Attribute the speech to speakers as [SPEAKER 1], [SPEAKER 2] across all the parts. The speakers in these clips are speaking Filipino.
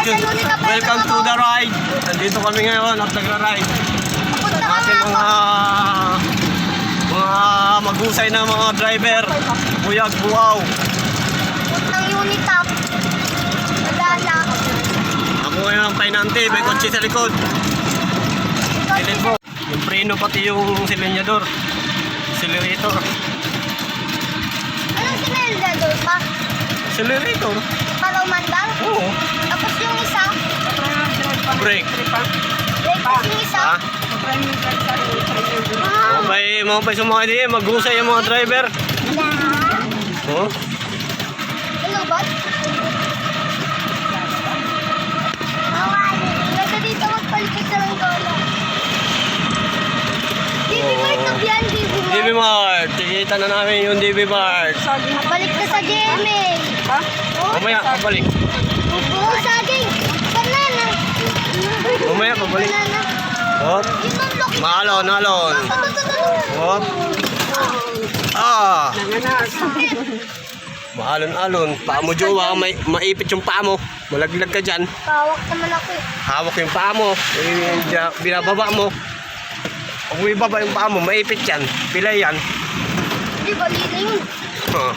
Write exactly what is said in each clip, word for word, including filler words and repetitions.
[SPEAKER 1] to, welcome to the ride. Nandito kami ngayon at nagra-ride. Ang ating mga mga magusay na mga driver. Buyag, buaw.
[SPEAKER 2] Ng Unitap. Nadala.
[SPEAKER 1] Ako ngayon ang painante, may kotse sa likod. Silin po. Yung preno pati yung silinyador. Accelerator.
[SPEAKER 2] Anong sinelidador pa?
[SPEAKER 1] Accelerator?
[SPEAKER 2] Para umandar?
[SPEAKER 1] Oo.
[SPEAKER 2] Tapos yung isa?
[SPEAKER 1] Brake.
[SPEAKER 2] Brake. Tapos yung isa?
[SPEAKER 1] Ha?
[SPEAKER 2] Wow.
[SPEAKER 1] May mga pa sumakay din, magusay yung mga driver. Oh?
[SPEAKER 2] Ano ba? Nasa dito magpalikot sa lang doon. D B Mart na yan, D B Mart.
[SPEAKER 1] D B Mart. Tikita na namin yung D B Mart.
[SPEAKER 2] Balik na sa G M A.
[SPEAKER 3] Ha?
[SPEAKER 1] Mamaya, pabalik.
[SPEAKER 2] Oo, saging. Banana.
[SPEAKER 1] Mamaya, pabalik.
[SPEAKER 2] Banana.
[SPEAKER 1] Oh.
[SPEAKER 2] Yun ang lock.
[SPEAKER 1] Maalon, alon. Oh. Ah.
[SPEAKER 3] Nanganas.
[SPEAKER 1] Maalon-alon. Paa mo, jowa. May, maipit yung paa mo. Malaglag ka dyan.
[SPEAKER 2] Pawak naman ako eh.
[SPEAKER 1] Hawak yung paa mo. Eh, dya- binababa mo. Pag may baba yung paa mo, maipit yan. Pilay yan.
[SPEAKER 2] Di ba liling?
[SPEAKER 1] Oh.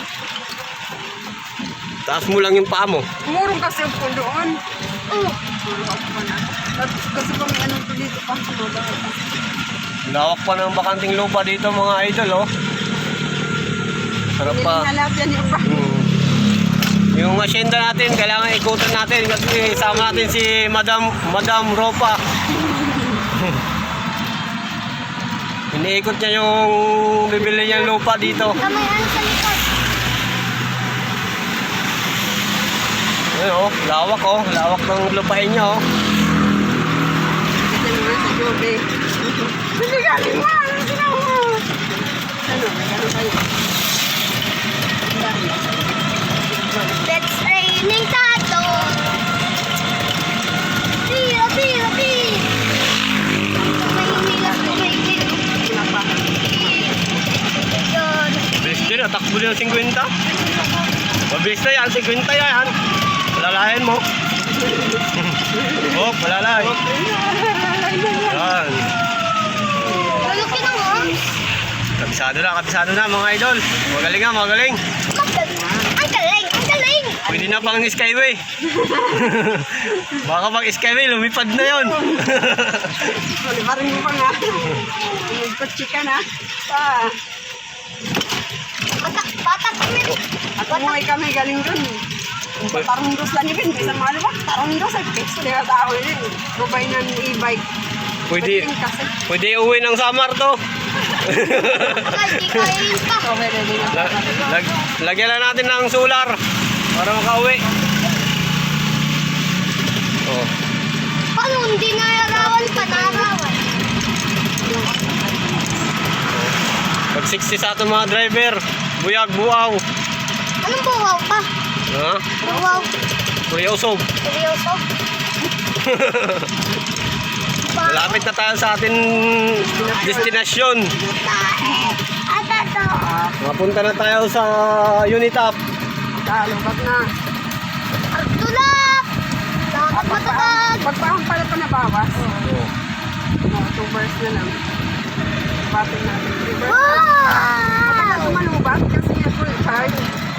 [SPEAKER 1] Taas mo lang yung paa mo.
[SPEAKER 3] Umurong kasi ang po doon.
[SPEAKER 2] Oo.
[SPEAKER 3] Tapos kasi kung may anong dito pa.
[SPEAKER 1] Lawak pa ng bakanting lupa dito mga idol, oh. Sarap
[SPEAKER 3] Hindi
[SPEAKER 1] pa.
[SPEAKER 3] nalap yan yung pa.
[SPEAKER 1] Hmm. Yung asyenda natin, kailangan ikutan natin kasi sama natin si Madam Madam Ropa. Iniikot niya yung bibili niyang lupa dito.
[SPEAKER 2] Kamay ano sa likod.
[SPEAKER 1] Ayun, oh, lawak, oh. Lawak ng lupain niya, oh.
[SPEAKER 3] Kasi naman sa jobe. Hindi galing mo. Ano sinaw mo? Ano? May gano'n kayo.
[SPEAKER 2] It's raining tato. Tira, tira, tira. May hinilas ko may tira.
[SPEAKER 3] Wala pa.
[SPEAKER 2] Yun.
[SPEAKER 1] Bilis din, atakbo din ang fifty. Mabilis na yan, fifty yan. Palalahin mo. Oh, palalay. Yan.
[SPEAKER 2] Lulukin na mo.
[SPEAKER 1] Kabisado na, kabisado na mga idol. Magaling nga, magaling.
[SPEAKER 2] Ang galing, ang galing.
[SPEAKER 1] Pwede na pang skyway. Baka pag skyway, lumipad na yon.
[SPEAKER 3] Wala pa rin mo pa nga. Nagkotsi ka na. Pa.
[SPEAKER 2] Patak, patak kami.
[SPEAKER 3] At umuwi kami galing dun. Tarong dos lang yun. Bisa mga ba? Tarong dos ay fix. Hindi ka tao yun. Rubay ng e-bike.
[SPEAKER 1] Pwede,
[SPEAKER 3] Pwede kasi.
[SPEAKER 1] pwede uwi ng Samar to.
[SPEAKER 2] Ay, di kain pa.
[SPEAKER 3] So, may ready na.
[SPEAKER 1] Lag, lag, lagyan na natin ng solar para makauwi. Oh.
[SPEAKER 2] Paano hindi narawan pa, narawan?
[SPEAKER 1] Pag sixty sa ating mga driver, buyag, buaw.
[SPEAKER 2] Anong buwaw pa?
[SPEAKER 1] Ha?
[SPEAKER 2] Buwaw.
[SPEAKER 1] Kuryoso.
[SPEAKER 2] Seryoso?
[SPEAKER 1] Malapit na tayo sa ating destinasyon.
[SPEAKER 2] At ito.
[SPEAKER 1] Mapunta na tayo sa Unitap.
[SPEAKER 3] Talubag na.
[SPEAKER 2] Tulak! Dapat matatag.
[SPEAKER 3] Pagpahang pala pa nabawas.
[SPEAKER 1] Oh.
[SPEAKER 3] Mga two bars na lang. Batin natin. Three bars.
[SPEAKER 2] Wow!
[SPEAKER 3] Tumalubag kasi ako card.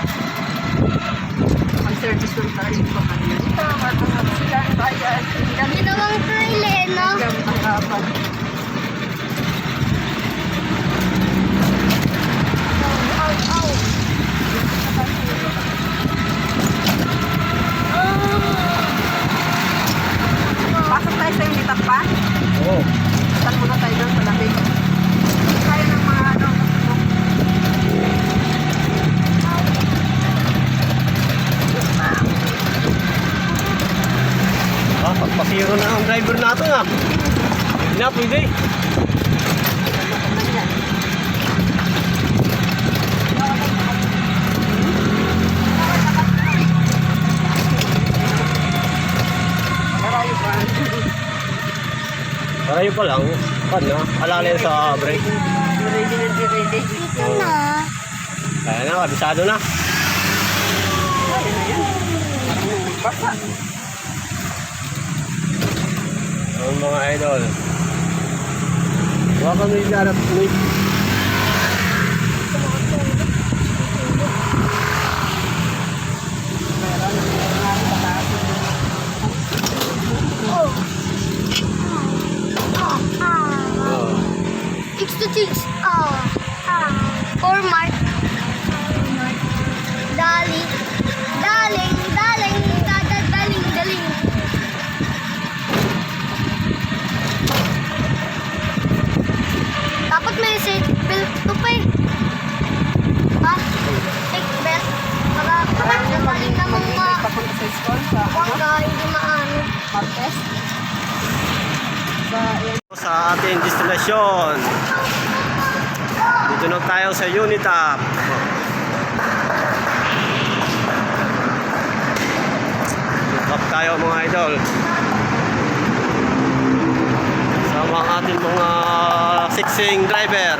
[SPEAKER 3] Pag-service ng card ko kanina. Ito, matangap sila ang bayan.
[SPEAKER 2] Ginawang trail eh, no?
[SPEAKER 3] Gamit ang kapan.
[SPEAKER 2] Ow, ow.
[SPEAKER 3] Pasok tayo sa yung bitap pa.
[SPEAKER 1] Oh.
[SPEAKER 3] Saan muna tayo doon sa lamig. Kaya ng mga ano.
[SPEAKER 1] Ah, pagpasiro na ang driver natin ah. Hindi na, pwede.
[SPEAKER 3] Karayo pa.
[SPEAKER 1] Parayo pa lang. Pan na, alalay sa brake.
[SPEAKER 3] Ready na di ready.
[SPEAKER 2] Ito na.
[SPEAKER 1] Kaya na, kabisado na.
[SPEAKER 3] Kaya na yan. Basa.
[SPEAKER 1] Ang mga idol. Baka may darap may
[SPEAKER 3] Meron, meron nga rin pataas.
[SPEAKER 2] Oh. Ah, ah.
[SPEAKER 1] oh.
[SPEAKER 2] Chicks to chicks. Ah, ah. Or Mark. Dali. Daling, daling, dada, daling, daling. Dapat may safety belt to pa eh. Ha? Safety belt. Para kapag nagaling na mga
[SPEAKER 3] Papunta sa school, sa ano,
[SPEAKER 2] bangga, hindi maano.
[SPEAKER 3] Martes. Sa, yan.
[SPEAKER 1] Sa ating destinasyon. Dito na tayo sa Unitap. Unitap tayo mga idol. Sama ang ating mga siksing driver.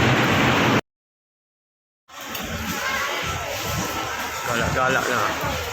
[SPEAKER 1] Gala-gala na.